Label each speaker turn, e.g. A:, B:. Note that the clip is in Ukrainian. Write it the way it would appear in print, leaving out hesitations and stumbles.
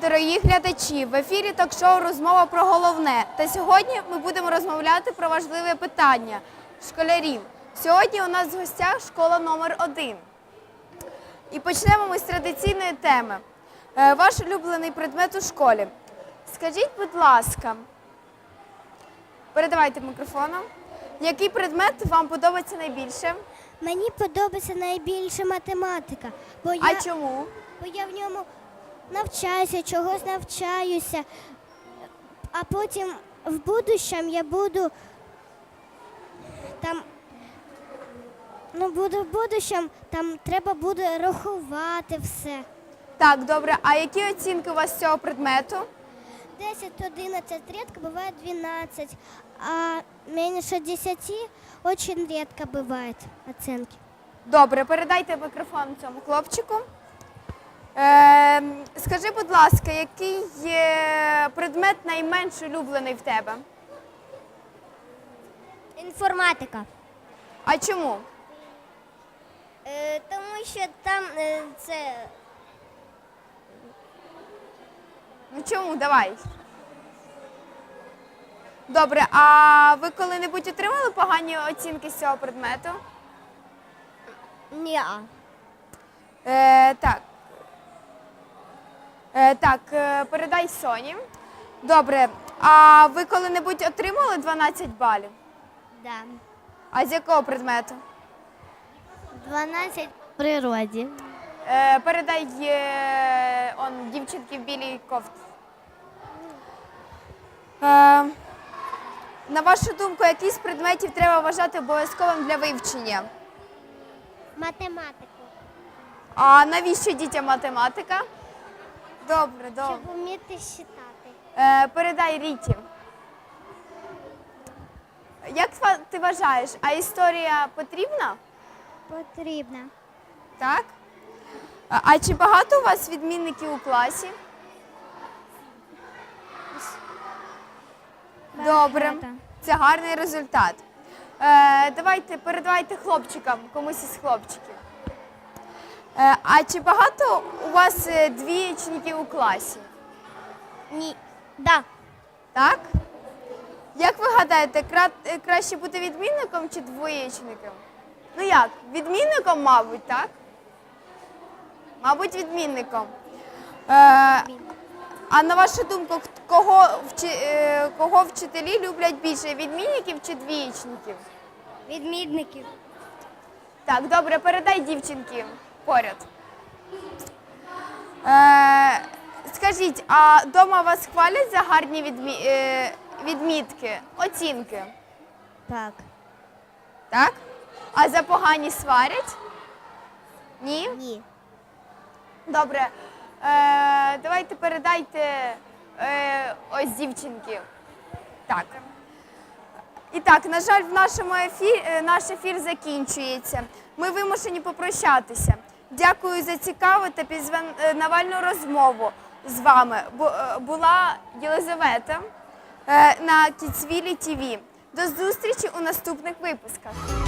A: дорогі глядачі! В ефірі ток-шоу «Розмова про головне». Та сьогодні ми будемо розмовляти про важливе питання – школярів. Сьогодні у нас в гостях школа номер 1. І почнемо ми з традиційної теми. Ваш улюблений предмет у школі. Скажіть, будь ласка, передавайте мікрофоном. Який предмет вам подобається найбільше?
B: Мені подобається найбільше математика.
A: А чому?
B: Бо я в ньому навчаюся, чогось навчаюся, а потім в будущому я буду там, в будущому там треба буде рахувати все.
A: Так, добре. А які оцінки у вас з цього предмету?
B: 10-11, редко бывает 12, а меньше 10 очень редко бывает оценки.
A: Добре, передайте мікрофон цьому хлопчику. Скажи, будь ласка, який предмет найменш улюблений в тебе?
B: Інформатика.
A: А чому?
B: Тому що там це...
A: Ну чому? Давай. Добре, а ви коли-небудь отримали погані оцінки з цього предмету?
B: Ні.
A: Так. Передай Соні. Добре, а ви коли-небудь отримали 12 балів?
B: Да.
A: А з якого предмету?
B: 12 в природі.
A: Передай дівчинки в білій кофті. На вашу думку, який з предметів треба вважати обов'язковим для вивчення?
B: Математику.
A: А навіщо дітям математика? Добре, добре.
B: Щоб вміти читати.
A: Передай Ріті. Як ти вважаєш, а історія потрібна?
B: Потрібно.
A: Так? А чи багато у вас відмінників у класі? Добре, це гарний результат. Передавайте хлопчикам, комусь із хлопчиків. А чи багато у вас двієчників у класі?
B: Ні. Да.
A: Так? Як ви гадаєте, краще бути відмінником чи двоєчником? Ну як, відмінником, мабуть, так? Мабуть, відмінником. А на вашу думку, кого вчителі люблять більше, відмінників чи двієчників?
B: Відмінників.
A: Так, добре, передай дівчинки поряд. Скажіть, а вдома вас хвалять за гарні відмітки, оцінки?
B: Так.
A: Так? А за погані сварять? Ні?
B: Ні.
A: Добре. Давайте передайте ось дівчинки. Так. І так, на жаль, в нашому наш ефір закінчується. Ми вимушені попрощатися. Дякую за цікаву та пізнавальну розмову з вами. Була Єлизавета на Kidsville TV. До зустрічі у наступних випусках.